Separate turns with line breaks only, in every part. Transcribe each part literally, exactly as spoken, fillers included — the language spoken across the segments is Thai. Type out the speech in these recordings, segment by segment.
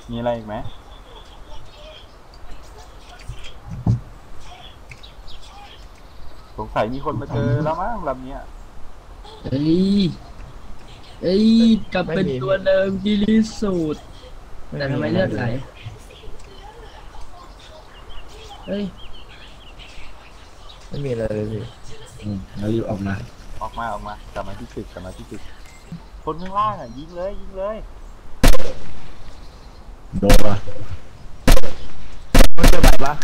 มีอะไรอีกไหมสงสัยมีคนมาเจอแล้วมั้งลำเนี้ย
เอ้ยเอ้ยกลับเป็นตัวเดิมที่รีสุดแต่ทำไมเลือดไหลเฮ้ย
ไม่มีอะไรเลยพี่
อืมแล้วรีบออกมา
ออกมาออกมากลับมาที่ตึกกลับมาที่ตึกคนข้างล่างอ่ะยิงเลยยิงเลย
โดนปะ
มันเจอใหม่ปะ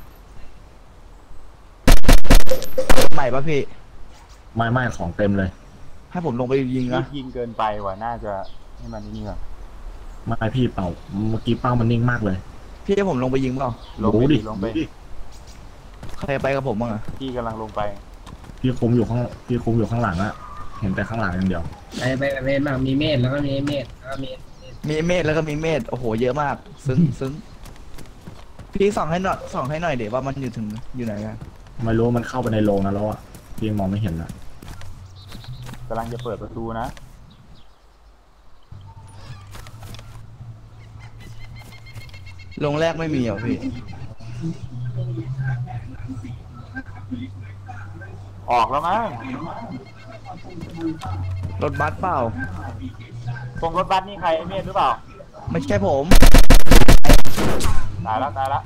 ใหม่ปะพี่
ไม่ไม่ของเต็มเลย
ให้ผมลงไปยิงนะ
ยิงเกินไปว่ะน่าจะให้มันนี่ก่อน
ไม่พี่เป่าเมื่อกี้เป้ามันนิ่งมากเลย
พี่ให้ผมลงไปยิงเปล่า
ลงไปดิลงไป
ใครไปกับผมบ้างอะ
พี่กำลังลงไป
พี่คุมอยู่ข้างพี่คุมอยู่ข้างหลังอะเห็นแต่ข้างหลังอย่างเดียว
ไปไปกับเมธบ้างมีเมธแล้วก็มีเมธแล้วก็มี
มีเมธแล้วก็มีเมธโอ้โหเยอะมากซึ้งซึ้งพี่ส่องให้หน่อยส่องให้หน่อยเดี๋ยวว่ามันอยู่ถึงอยู่ไหนกัน
ไม่รู้มันเข้าไปในโรงนะแล้วอะพี่มองไม่เห็นนะ
กำลังจะเปิดประตูนะ
ลงแรกไม่มีเหรอพี่
ออกแล้วมั้ง
รถบัสเปล่า
ตรงรถบัสนี่ใครไอเมธหรือเปล่า
ไม่ใช่ผม
ตายแล้วตายแล้ว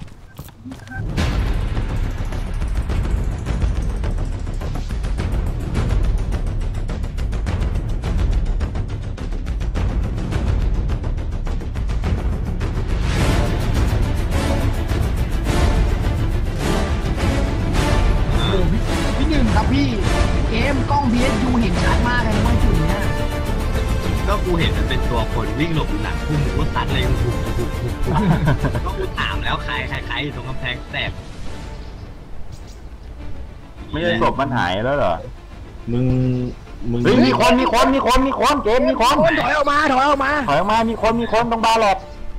พี่หนึ่งครับพี่เกมกล้อง พี เอส ยู เห็นชัดมากเลยว่าจุดเนี้ย
ก็กูเห็นมันเป็นตัวคนวิ่งหลบหลังพุ่งกูซัดเลยกูถูกถูกถูกก็กูถามแล้วใครใครใครตรงกำแพงแตก
ไม่ใช่ศพมันหายแล้วเหรอ
มึงมึง
เฮ้ยมีคนมีคนมีคนมีคนเกมมีคน
ถอยออกมาถอยออกมา
ถอยออกมามีคนมีคนตรงบาร์หลบ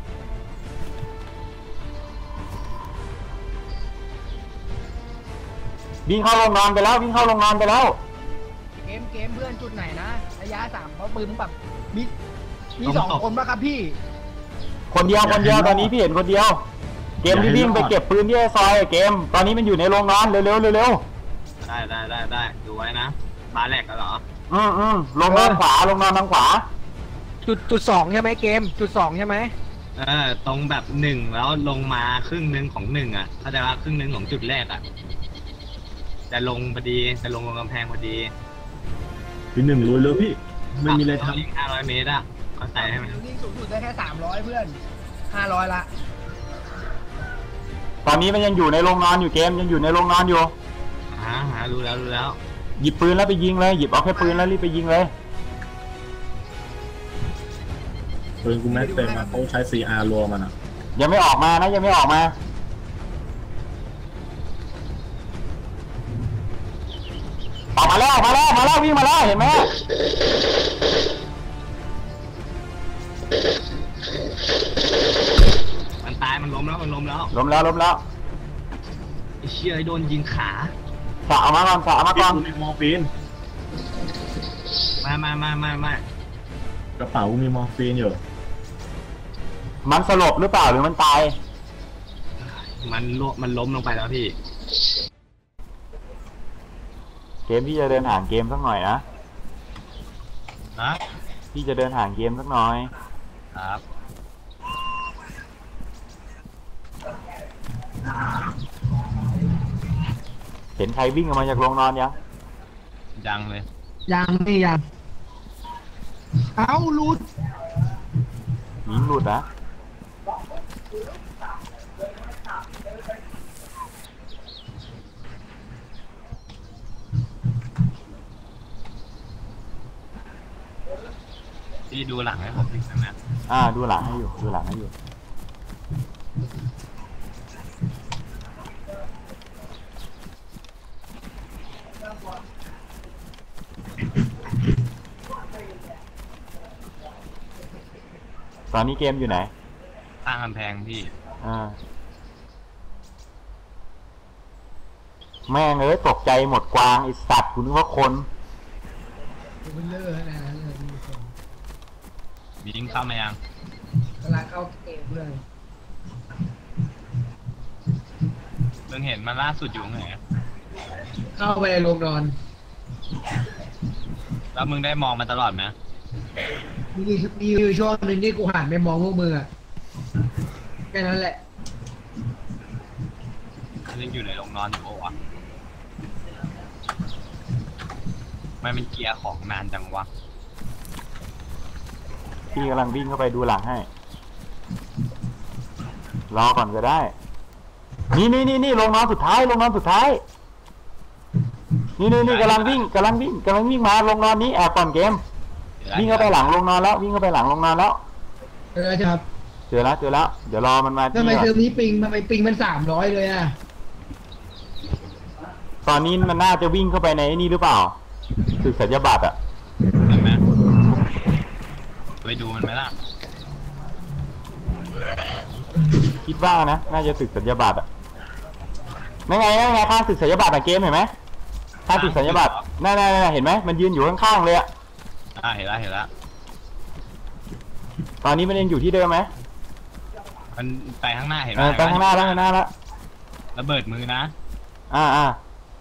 วิ่งเข้าโรงนอนไปแล้ววิ่งเข้าโรงนอนไปแล้ว
เกมเกมเพื่อนจุดไหนนะระยะสามเพราะปืนแบบมีมีสองคนป่ะครับพี่
คนเดียวคนเดียวตอนนี้พี่เห็นคนเดียวเกมที่วิ่งไปเก็บปืนที่ซอยเกมตอนนี้มันอยู่ในโรงนอนเร็วเร็วเร็ว
ได้ได้ได้ได้ดูไว้นะบาร์แรกกันเหรอ
อืมอืมลงนอนขวาลงนอนทางขวา
จุดจุดสองใช่ไหมเกมจุดสองใช่ไหม
เออตรงแบบหนึ่งแล้วลงมาครึ่งหนึ่งของหนึ่งอ่ะเข้าใจว่าครึ่งหนึ่งของจุดแรกอ่ะจะลงพอดีจะลงลงกำแพงพอดี
พี่หนึ่งรู้เลยพี่ไม่มีอะไรทำ
อีกห้าร้อยเมตรอ่ะเข้าใจใช่ไหม
วิ่งสูงสุดได้แค่สามร้อยเพื่อนห้าร้อยละ
ตอนนี้มันยังอยู่ในโรงนอนอยู่เกมยังอยู่ในโรงนอนอยู่
หาหารู้แล้วรู้แล้ว
หยิบปืนแล้วไปยิงเลยหยิบเอาแค่ปืนแล้วรีบไปยิงเลย
ปืนกูแม็กเต็มมาเขาใช้ ซี อาร์ รัวมันอ่ะ
ยังไม่ออกมานะยังไม่ออกมาออกมาแล้วออกมาแล้วมาแล้ววิ่งมาแล้วเห็นไหม
มันตายมันล้มแล้วมันล้มแล้ว
ล้มแล้วล้มแล้ว
ไอ้เชี่ยไอ้โดนยิงขา
สะเอามาก่อนสะเอามาก่อน
มีมอร์ฟีน
มามามามา
กระเป๋ามีมอร์ฟีนอยู่
มันสลบหรือเปล่าหรือมันตาย
มันล้มมันล้มลงไปแล้วพี่
เกมพี่จะเดินห่างเกมสักหน่อยนะ
นะ
พี่จะเดินห่างเกมสักหน่อย
ครับ
เห็นใครวิ่งออกมาจากโรงนอนยัง
ยังเลย
ยังไม่ยังเอาหลุด
ยิงหลุดนะ
พี่ดูหลังให้ผมนิดนึงนะ
อ่าดูหลังให้อยู่ดูหลังให้อยู่ตอนนี้เกมอยู่ไหน
ข้างกำแพงพี่
อ่าแม่งเอ้ยตกใจหมดกวางไอสัตว์คุณนึกว่าคน
บิงเข้ามายัง
กำลังเข้าเกมเพื่อน
มึงเห็นมันล่าสุดอยู่ไหนอะ
เข้าไปในโรงนอน
แล้วมึงได้มองมันตลอดไหม
มีมีอยู่ช่วงหนึ่งที่กูหันไปมองพวกมึงอะแค่นั้นแหละ
มันยังอยู่ในโรงนอนอยู่ปะวะมันเป็นเกียร์ของนานจังวะ
พี่กำลังวิ่งเข้าไปดูหลังให้รอก่อนก็ได้นี่นี่นี่นี่ลงนอนสุดท้ายลงนอนสุดท้ายนี่นี่นี่กำลังวิ่งกำลังวิ่งกำลังวิ่งมาลงนอนนี้แอบก่อนเกมวิ่งเข้าไปหลังลงนอนแล้ววิ่งเข้าไปหลังลงนอนแล้ว
เออครับ
เจอแล้วเจอแล้วเดี๋ยวรอมันมา
ทำไม
ที่
เทอมนี้ปิงทำไมปิงมันสามร้อยเลยอะ
ตอนนี้มันน่าจะวิ่งเข้าไปในนี่หรือเปล่าตึกสัญญาบัตรอะ
เห็นไหมไปดูมันไหมล่ะ
คิดว่านะน่าจะตึกสัญญาบัตรอะนั่นไงนั่นไงข้างตึกสัญญาบัตรอะเกมเห็นไหมข้างตึกสัญญาบัตรนั่นๆๆเห็นไหมมันยืนอยู่ข้างๆเลยอะ
อ่าเห็นแล้วเห็นแล้ว
ตอนนี้มันยังอยู่ที่เดิมไหม
มันไปข้างหน้าเห็นไห
เอ
ม
อไปข้างหน้าแล้วข้างหน้าแล้ว
ระเบิดมือนะ
อ่าอ่า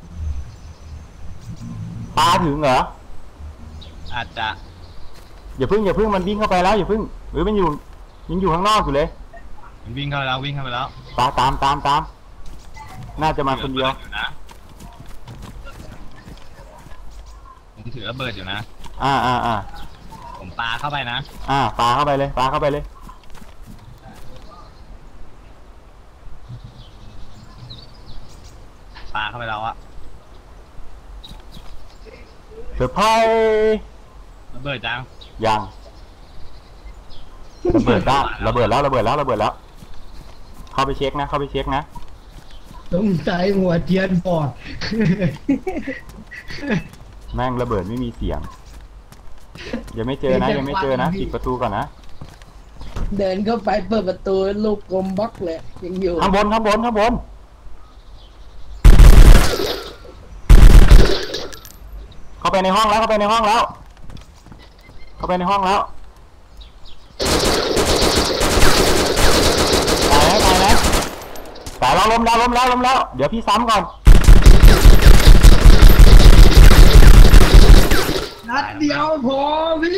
ปลาถึงเหรอ
อาจจะ
อย่าพึ่งอย่าพึ่งมันวิ่งเข้าไปแล้วอย่าพึ่งหรือมันอยู่ยังอยู่ข้างนอกอยู่เลย
มันวิ่งเข้าไปแล้ววิ่งเข้าไปแล้ว
ปลาตามตามตามน่าจะมาคนเดียว
ถือระบิอยู่นะผมถือระเบิดอยู่นะ
อ่าอ่าอ่า
ผมปาเข้าไปนะ
อ่าปลาเข้าไปเลยปลาเข้าไปเลย
ปาเข้าไปแล้วอะ
เซอร์ไพรส์
ระเบิดจัง
ยังระเบิดได้ระเบิดแล้วระเบิดแล้วระเบิดแล้ว เข้าไปเช็คนะเข้าไปเช็คนะ
สงสัยหัวเทียนบอด
แม่งระเบิดไม่มีเสียงยังไม่เจอนะยังไม่เจอนะปิดประตูก่อนนะ
เดินเข้าไปเปิดประตูลูกกลมบล็อกเลยยังอยู่
ข้างบนข้างบนข้างบนเข้าไปในห้องแล้วเข้าไปในห้องแล้ว เข้าไปในห้องแล้วตายไหมตายไหมตายแล้วล้มแล้วล้มแล้วล้มแล้วเดี๋ยวพี่ซ้ำก่อน
นัดเดียวพอพี่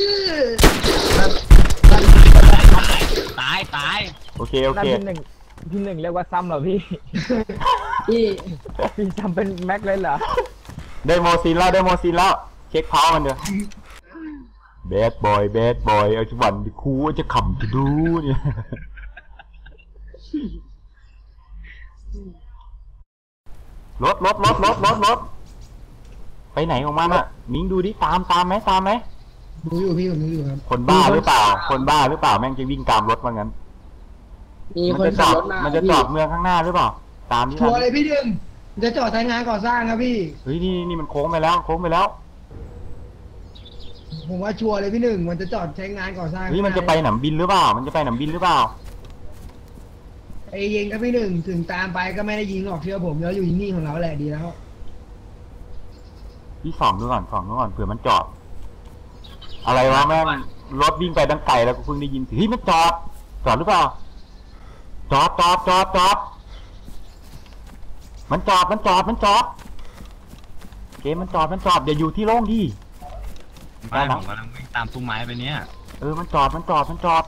ตายตาย
โอเคโอเค
พี่หนึ่งพี่หนึ่งเรียกว่าซ้ำเหรอพี่
พี่
พี่จำเป็นแม็กเลยเหรอ
ได้โมซินแล้วได้โมซินแล้วเช็คเพามันเถอะแบดบอยแบดบอยเอาจังหวันครูจะขำจะดูเนี่ยรถรถรถรถรถรถไปไหนของมันอะมิ้งดูดิตามตามไหมตามไหม
ดูอยู่พี่ผมดูอยู่ครับ
คนบ้าหรือเปล่า คนบ้าหรือเปล่าแม่งจะวิ่งตามรถว่างั้น
มี
มั
คน
จะจ
ขั
อบ ด
รถมา
มันจะจอดเมืองข้างหน้าหรือเปล่า ตามที่
ชัวร์เลยพี่ดึงจะจอดทางงานก่อสร้างครับพี่
เฮ้ยนี่นี่มันโค้งไปแล้วโค้งไปแล้ว
ผมว่าชัวร์เลยพี่หนึ่งมันจะจอดใช้งานก่อสร้าง
เฮ้ยมันจะไปหนำบินหรือเปล่า มันจะไปหนำบินหรือเปล่า
ไอ้ยิงครับพี่หนึ่งถึงตามไปก็ไม่ได้ยิงหรอกเชื่อผมเราอยู่นิ่งๆของเราแหละดีแล้ว
พี่ส่องดูก่อนส่องดูก่อนเผื่อมันจอด อะไรวะแม่งรถวิ่งไปดังไกลแล้วกูเพิ่งได้ยินเฮ้ยมันจอดจอดหรือเปล่าจอดจอดจอดจอดมันจอดมันจอดมันจอดเกมมันจอดมันจอดอย่าอยู่ที่โล่งดิ
ไม่ผมกำลังวิ่งตามพุ่มไม้ไปเนี่ย
เออมันจอดมันจอดมันจอด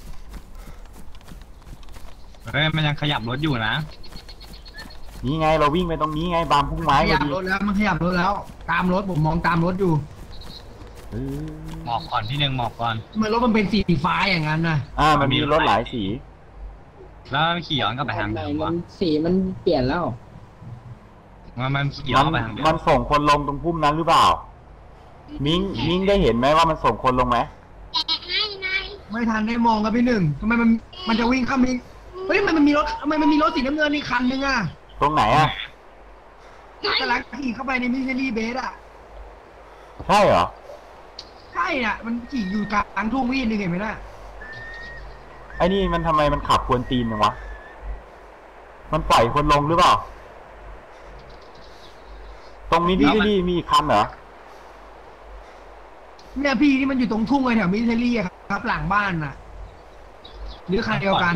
เฮ้ยมันยังขยับรถอยู่นะ
นี่ไงเราวิ่งไปตรงนี้ไงบามพุ่งไม้
ข
พ
ยั
อบ ดี
รถแล้วมันขยับรถแล้ว ตามรถผมมองตามรถอยู่
เออ
หมอบก่อนพี่หนึ่งหมอบก่อน
ทำไมันรถมันเป็นสีฟ้าอย่างนั้นนะ
อ่ามันมีรถหลายสี
แล้วขี่ย้อนกลับไปทาง
ไหน
เดิม
มั
วะ
นสีมันเปลี่ยนแล้ว
มันมันขี่ย้
มั
อน นไปทางเดิ
มัน
ม
ส่งคนลงตรงพุ่มนั้นหรือเปล่า มิงมิงได้เห็นไหมว่ามันส่งคนลงไหม
ไม่ทันได้มองครับพี่หนึ่งทำไมมันมันจะวิ่งเข้ามิเฮ้ยมันมันมีรถทำไมมันมีรถสีน้ำเงินอีกคันนึงอ่ะ
ตรงไหนอ่ะ
กำลังขี่เข้าไปในมิชลี่เบสอ่ะ
ใช่เหรอ
ใช่อ่ะมันขี่อยู่กลางทุ่งวิ่งนึงเห็นไหมน่ะ
ไอ้นี่มันทำไมมันขับกวนตีนจังวะ มันปล่อยคนลงหรือเปล่า ตรงนี้ที่ที่มีอีกคันเหรอ
เนี่ยพี่ที่มันอยู่ตรงทุ่งไอ้แถวมิชลี่อะครับหลังบ้านน่ะหรือคันเดียวกัน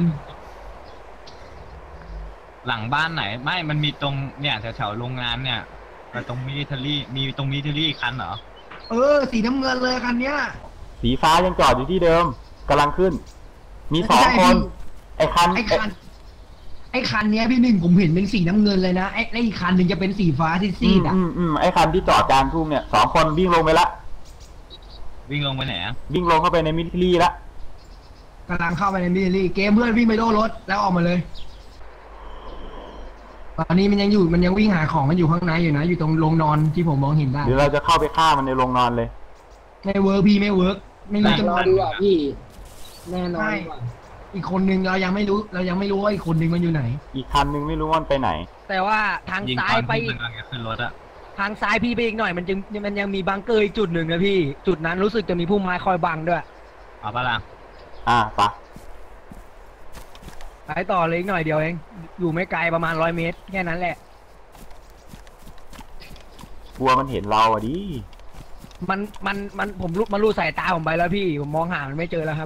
หลังบ้านไหนไม่มันมีตรงเนี่ยแถวๆโรงงานเนี่ยแต่ตรงมิลิเทอรี่มีตรงมิลิเทอรี่คันเหรอ
เออ สีน้ำเงินเลยคันเนี้ย
สีฟ้ายังจอดอยู่ที่เดิมกำลังขึ้น มีสองคน ไอ้คัน
ไอ้คัน ไอ้คันเนี้ยพี่หนึ่งผมเห็นเป็นสีน้ำเงินเลยนะไอ้ไอ้อีกคันหนึ่งจะเป็นสีฟ้าซี
อื
ด
ม
ๆอ่ะ
อืมอืมไอ้คันที่จอดกลางทุ่งเนี่ยสองคนวิ่งลงไปละ
วิ่งลงไปไหนอะ
วิ่งลงเข้าไปในมิลิเทอรี่ละ
กำลังเข้าไปในมิลลี่เกมเพื่อนวิ่งไปโดนรถแล้วออกมาเลย ตอนนี้มันยังอยู่มันยังวิ่งหาของมันอยู่ข้างในอยู่นะ อยู่ตรงโรงนอนที่ผมมองเห็นได้
หรือเราจะเข้าไปฆ่ามันในโรงนอนเลย
ไม่เวิร์กพี่ไม่เวิร์กไม่รู้จะ
รอดีกว่าพี่ แน่นอน
ใช่
กว่า
อีกคนนึงเรายังไม่รู้ เรายังไม่รู้ว่าอีกคนนึงมันอยู่ไหน
อีกคันนึงไม่รู้ว่ามันไปไหน
แต่ว่าทาง
ยิง
ซ้า
ตอย น
ไป
ที่
อี
มัน
ก
กำลังจะขึ้นรถอะ
ทางซ้ายพี่ไปอีกหน่อยมันจึงมันยังมีบังเกอร์อีกจุดหนึ่งนะพี่ จุดนั้นรู้สึกจะมีพุ่มไม้คอยบังด้วย
เอาปะล่ะ
อ่าปะ
ไปต่อเลยอีกหน่อยเดียวเอง อยู่ไม่ไกลประมาณร้อยเมตรแค่นั้นแหละ
กลัวมันเห็นเราอะดิ
มันมันมันผมรู้มันรู้สายตาผมไปแล้วพี่ ผมมองหามันไม่เจอแล้วครับ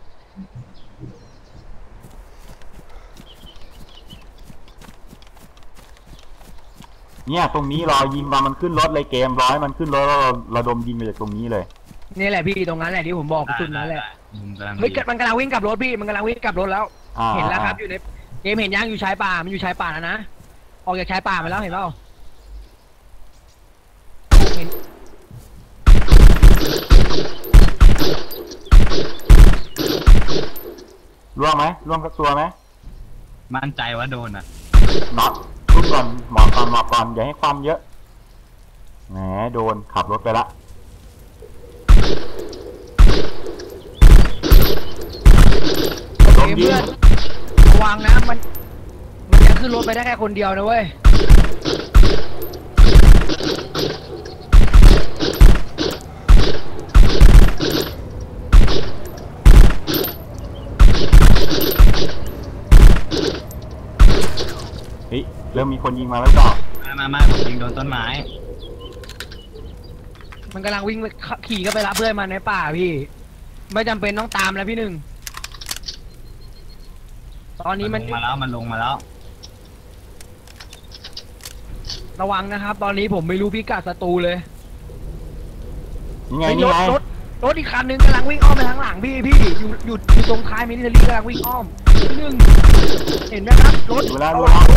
เนี่ยตรงนี้รอยิงมามันขึ้นรถเลยเกมร้อยมันขึ้นรถแล้วเราเราดมยิงไปจากตรงนี้เลย
นี่แหละพี่ตรงนั้นแหละที่ผมบอกจุดนั้นแหละ
มุมกำลัง
เฮ้ย
ดี
มันกำลังวิ่งกลับรถพี่มันกำลังวิ่งกลับรถแล้ว
อ่า
เห็นแล้วครับอยู่ในเกมเห็นยังอยู่ชายป่ามันอยู่ชายป่าแล้วนะออกจากชายป่ามาแล้วเห็นเปล่าเห็น
ร่วงไหมร่วงสักตัวไหม
มั่นใจว่าโดนอะ
น็อตรุ่นก่อนหมอบก่อนหมอบก่อนอย่าให้ความเยอะแหมโดนขับรถไปละดม
เกม
ยิ
เพื่
ง
อนระวังนะมันมันจะขึ้นรถไปได้แค่คนเดียวนะเว้ย
เฮ้ยเริ่มมีคนยิงมาแล้วต่อ
มามามาผมยิงโดนต้นไม้
มันกำลังวิ่งไปขี่ก็ไปรับเพื่อนมาในป่าพี่ ไม่จำเป็นต้องตามแล้วพี่หนึ่งตอนนี้
มั
มัน น
ลงมาแล้วมันลงมาแล้ว
ระวังนะครับ ตอนนี้ผมไม่รู้พิกัดศัตรูเลย
นี่ไง
เฮ้ย
นี่
รถ
ไง
รถรถอีกคันนึงกำลังวิ่งอ้อมไปทางหลังพี่พี่อยู่อยู่อยู่ตรงท้ายมินิเทอรี่กำลังวิ่งอ้อมพี่หนึ่งเห็นไหมครับรถ
ดูแล้วดู
ระวั
แล้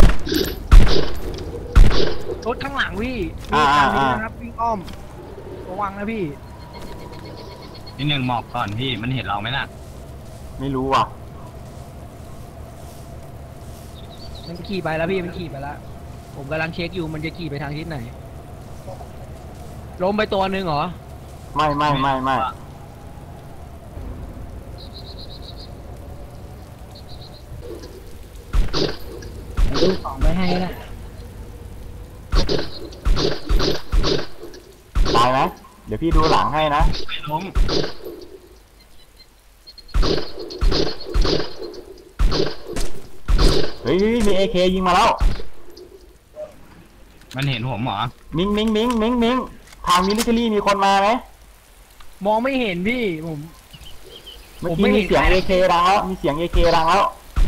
ง
ว
รถข้างหลังพี่
อ่า
มีคันนี้
อ่า
นะครับวิ่งอ้อมระวังนะพี่
ที่หนึ่งหมอบก่อนพี่มันเห็นเราไหมน่ะ
ไม่รู้ว่ะ
มันขี่ไปแล้วพี่มันขี่ไปแล้ว ผมกำลังเช็คอยู่มันจะขี่ไปทางทิศไหนล้มไปตัวหนึ่งเหรอ
ไม่ไม่ไม่ไม่
ดูของไปให้นะ
ตายไหมเดี๋ยวพี่ดูหลังให้นะ
ไม่ล้ม
เฮ้ยมีเอเคยิงมาแล้ว
มันเห็นผมเหรอ
มิงมิงมิงมิงมิงทางมิลิเทอรี่มีคนมาไหม
มองไม่เห็นพี่ผม
เมื่อ
ผมไม่
กี้
เห็
มี
น
เสียง
ใคร
เอเคดังแล้วมีเสียงเอเคดังแล้ว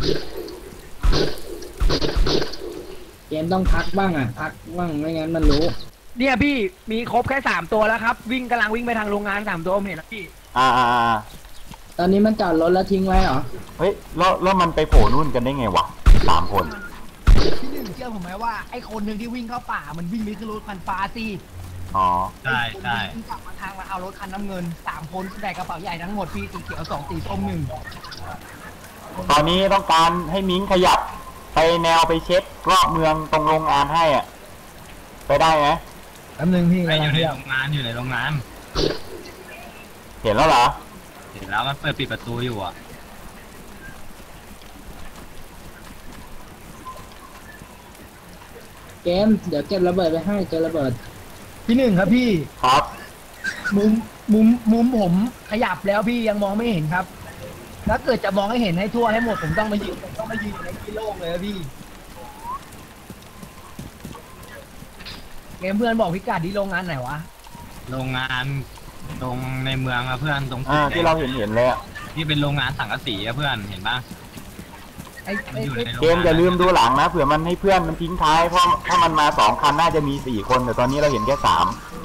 เกมต้องพักบ้างอ่ะ พักบ้างไม่งั้นมันรู้
เนี่ยพี่มีครบแค่สามตัวแล้วครับ วิ่งกำลังวิ่งไปทางโรงงานสามตัวผมเห็นแล้วพี่
อ่าอ่าอ่า
ตอนนี้มันจอดรถแล้วทิ้งไว้เหรอ
เฮ้ยแล้วแล้วมันไปโผล่นู่นกันได้ไงวะสามคน
พี่หนึ่งเชื่อผมไหมว่าไอ้คนหนึ่งที่วิ่งเข้าป่ามันวิ่งไปขึ้นรถคันฟ้าซีด
อ๋อ
ใช่ใช่
วิ่งกลับมาทางมาเอารถคันน้ำเงินสามคนแบกกระเป๋าใหญ่ทั้งหมดพี่สีเขียวสองสีส้มหนึ่ง
ตอนนี้ต้องการให้มิงขยับไปแนวไปเช็ครอบเมืองตรงโรงงานให้อ่ะไปได้ไหม
แป๊บนึงพี่
ไม่อยู่ในโรงงานอยู่ในโรงงาน
เห็นแล้วเหรอ
เห็นแล้วมันเปิดปิดประตูอยู่อ่ะ
เกม เดี๋ยวเก็บระเบิดไปให้เจอระเบิด
พี่หนึ่งครับพี่
ครับ
มุมมุมมุมผมขยับแล้วพี่ยังมองไม่เห็นครับ ถ้าเกิดจะมองให้เห็นให้ทั่วให้หมดผมต้องมายืนผมต้องมายืนอยู่ในที่โล่งเลยครับพี่เกมเพื่อนบอกพิกัดที่โรงงานไหนวะ
โรงงานตรงในเมืองอะเพื่อนตรง
อ่าที่เราเห็นเห็นเลยอ่ะ
นี่เป็นโรงงานสังกะสีอะเพื่อนเห็นปะ
ไอ้
มัน
ไอ้
อยู่
ไอ้
ในโรง
เกมอย่าลืมดูหลังนะเผื่อมันให้เพื่อนมันทิ้งท้ายเพราะถ้ามันมาสองคันน่าจะมีสี่คนแต่ตอนนี้เราเห็นแค่สาม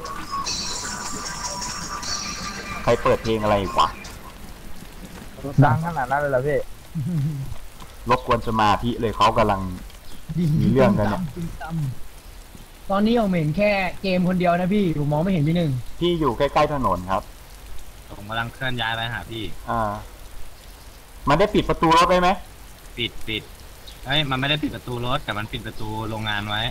ใครเปิดเพลงอะไรอีกวะ
ดังขนาดนั้นเลยเหรอพี่
รบกวนสมาธิเลยเขากำลัง มีเรื่องกันเนี่ย
ตึ้มตั้มตอนนี้ผมเห็นแค่เกมคนเดียวนะพี่ผมมองไม่เห็นพี่หนึ่ง
ที่อยู่ใกล้ๆถนนครับ
ผมกำลังเคลื่อนย้ายไปหาพี่
อ่า มันได้ปิดประตูรถไว้ไหม
ปิดปิดเฮ้ยมันไม่ได้ปิดประตูรถแต่มันปิดประตูโรงงานไว้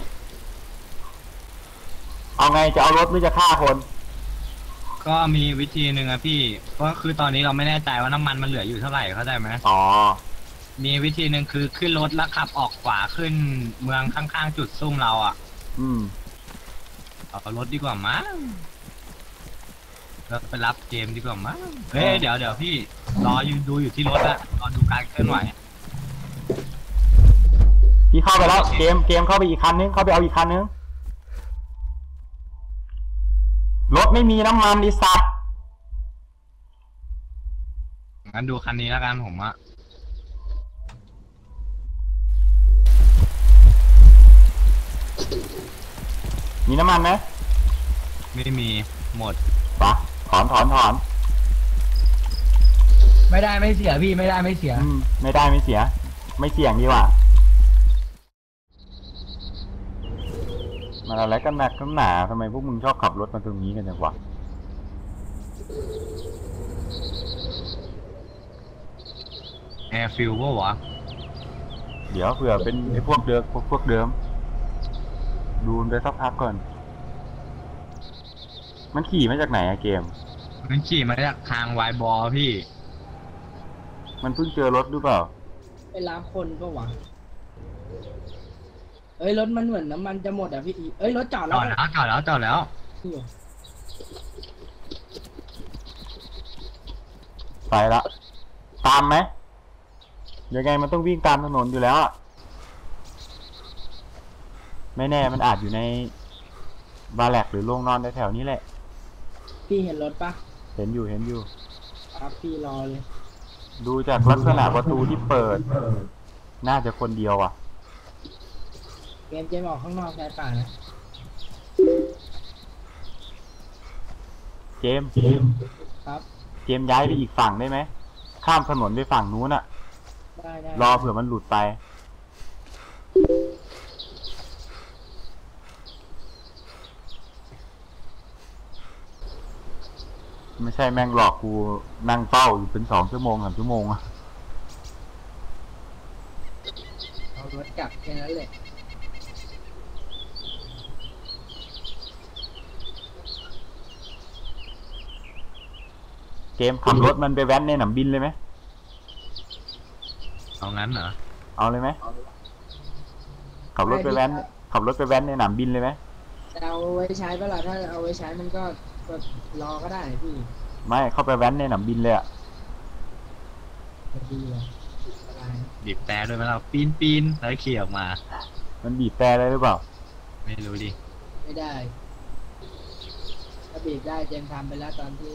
เอาไงจะเอารถหรือจะฆ่าคน
ก็มีวิธีหนึ่งอะพี่ก็คือตอนนี้เราไม่แน่ใจว่าน้ำมันมันเหลืออยู่เท่าไหร่เข้าใจไหม
อ๋อ
มีวิธีหนึ่งคือขึ้นรถแล้วขับออกขวาขึ้นเมืองข้างๆจุดซุ่มเราอะ
อืม
เอารถดีกว่ามั้งเราไปรับเกมดีกว่ามั้งเฮ้ยเดี๋ยวเดี๋ยวพี่รออยู่ดูอยู่ที่รถอะรอดูการเคลื่อนไหว
พี่เข้าไปแล้วเกมเกมเข้าไปอีกคันนึงเข้าไปเอาอีกคันนึงรถไม่มีน้ำมันดิสัตว์
งั้นดูคันนี้แล้วกันผมอะ
มีน้ำมันไหม
ไม่มีหมด
ปะถอนถอนถอน
ไม่ได้ไม่เสียพี่ไม่ได้ไม่เสีย
อืมไม่ได้ไม่เสีย ไม่เสี่ยงดีกว่ามันอะไรกันหนักกันหนาทำไมพวกมึงชอบขับรถมาตรงนี้กันจังวะ
แอร์ฟิลว่าวะ
เดี๋ยวเผื่อเป็นไอ้พวกเดิมพวกพวกเดิม ดูมันไปสักพักก่อน มันขี่มาจากไหนอะเกม
มันขี่มาจากทางวายบอพี่
มันเพิ่งเจอรถหรือเปล่า
ไปรับคนก็วะเอ้ยรถมันเหมือนน้ำมันจะหมดอ่ะพี่อีเอ้ยรถจอด
จ
แล้ว
อดแล้วจอดแล้วจอดแล้ว
ไปละ ตามไหมยังไงมันต้องวิ่งตามถนนอยู่แล้วอะไม่แน่มันอาจอยู่ในบาร์แลกหรือโรงนอนแถวๆนี้แหละ
พี่เห็นรถปะ
เห็นอยู่เห็นอยู่
ครับพี่รอเลย
ดูจากลักษณะประตูที่เปิด น่าจะคนเดียวอ่ะ
เกมเกมออกข้างนอกชายป่านะ
เจมส์
ครับ
เจมส์ย้ายไปอีกฝั่งได้ไหม ข้ามถนนไปฝั่งนู้นอ่ะ
ได้ได้
รอเผื่อมันหลุดไป ไม่ใช่แม่งหลอกกูนั่งเฝ้าอยู่เป็นสองชั่วโมงสามชั่วโมงอะ
เอารถกลับแค่นั้นแหละ
เกมขับรถมันไปแว้นในหนามบินเลยไหม
เอางั้นเหรอ
เอาเลยไหม ขับรถไปแว้น ขับรถไปแว้นในหนามบินเลยไหม
จะเอาไว้ใช้เปล่าถ้าเอาไว้ใช้มันก็ก็รอก็ได้พี่
ไม่ เข้าไปแว้นในหนามบินเลยอะ
ไม่ดีเลยอะไร
บีบแต่ด้วยไหมเราปีนปีนแล้วขี่ออกมา
มันบีบแต่ได้หรือเปล่า
ไม่รู้ดิ
ไม่ได้ถ้าบีบได้เจมส์ทำไปแล้วตอนที่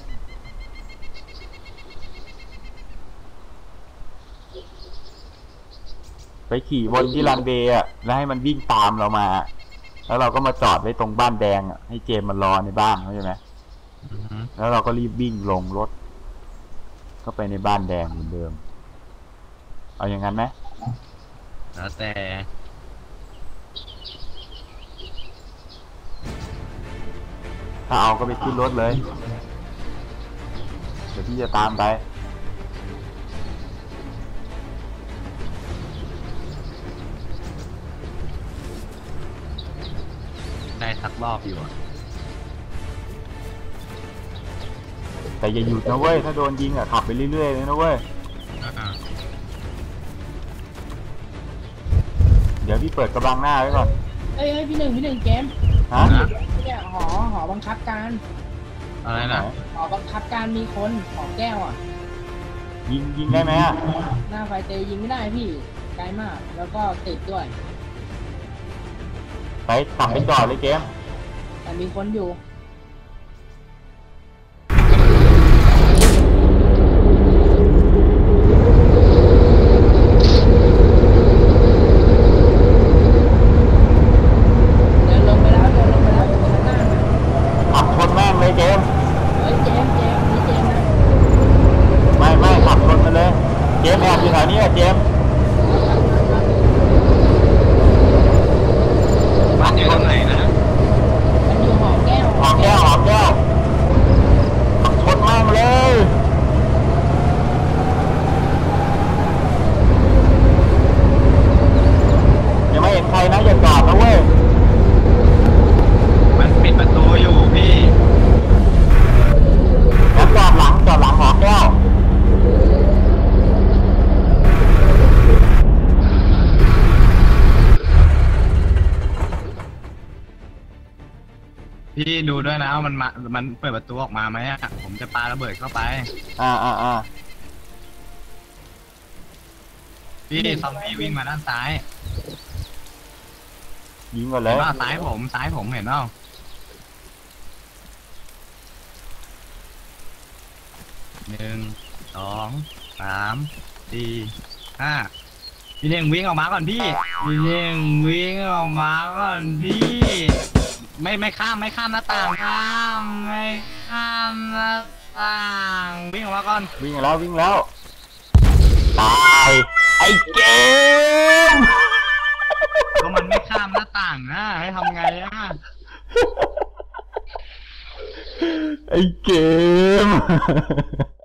ไปขี่บนที่รันเวย์อะแล้วให้มันวิ่งตามเรามา แล้วเราก็มาจอดไว้ตรงบ้านแดงอะให้เจมมันรอในบ้านเข้าใจไหม
อือฮึ
แล้วเราก็รีบวิ่งลงรถ เข้าไปในบ้านแดงเหมือนเดิม เอาอย่างนั้นไหม
แล้วแต่
ถ้าเอาก็ไปขึ้นรถเลย เดี๋ยวพี่จะตามไป
ได้สักรอบอยู่อะ
แต่อย่าหยุดนะเว้ย ถ้าโดนยิงอะขับไปเรื่อยๆเลยนะเว้ย
อ่า
เดี๋ยวพี่เปิดกระบังหน้าไว้ก่อน
เอ้ยเอ้ยพี่หนึ่งพี่หนึ่งเกม
ฮะ
เนี่ยหอหอบังคับการ
อะไรนะ
หอบังคับการมีคนหอแก้วอ่ะ
ยิงยิงได้ไหมอะ
หน้าไฟเตยยิงไม่ได้พี่ไกลมากแล้วก็ติดด้วย
ไปขับไปจอดเลยเกม
แต่มีคนอยู่
มส์แอบอยู่แถวนี้อะเจมส์
บ้านอยู่ตรงไหนนะ
มันอยู่หอแก้ว
หอมแก้วหอมแก้วชนมากเลยยังไม่เห็นใครนะอย่าจอดนะเว้ย
มันปิดประตูอยู่พี่
แล้วจอดหลังจอดหลังหอแก้ว
พี่ดูด้วยนะว่ามันมามันเปิดประตูออกมาไหมอะผมจะปาระเบิดเข้าไป
อ่าอ่าอ่า
พี่ซอมบี้วิ่งมาด้านซ้าย
ยิงก่อนเล
เห็น
ย
ว่าซ้ายผมซ้ายผมเห็นเปล่าหนึ่งสองสามสี่ห้าพี่เน่งวิ่งออกมาก่อนพี่พี่เน่งวิ่งออกมาก่อนพี่ไม่ไม่ข้ามไม่ข้ามหน้าต่างข้ามไม่ข้ามหน้าต่างวิ่งออกมาก่อน
วิ่งแล้ววิ่งแล้วตายไอ้เกม
ก็มันไม่ข้ามหน้าต่างนะให้ทำไงอะ
ไอ้เกม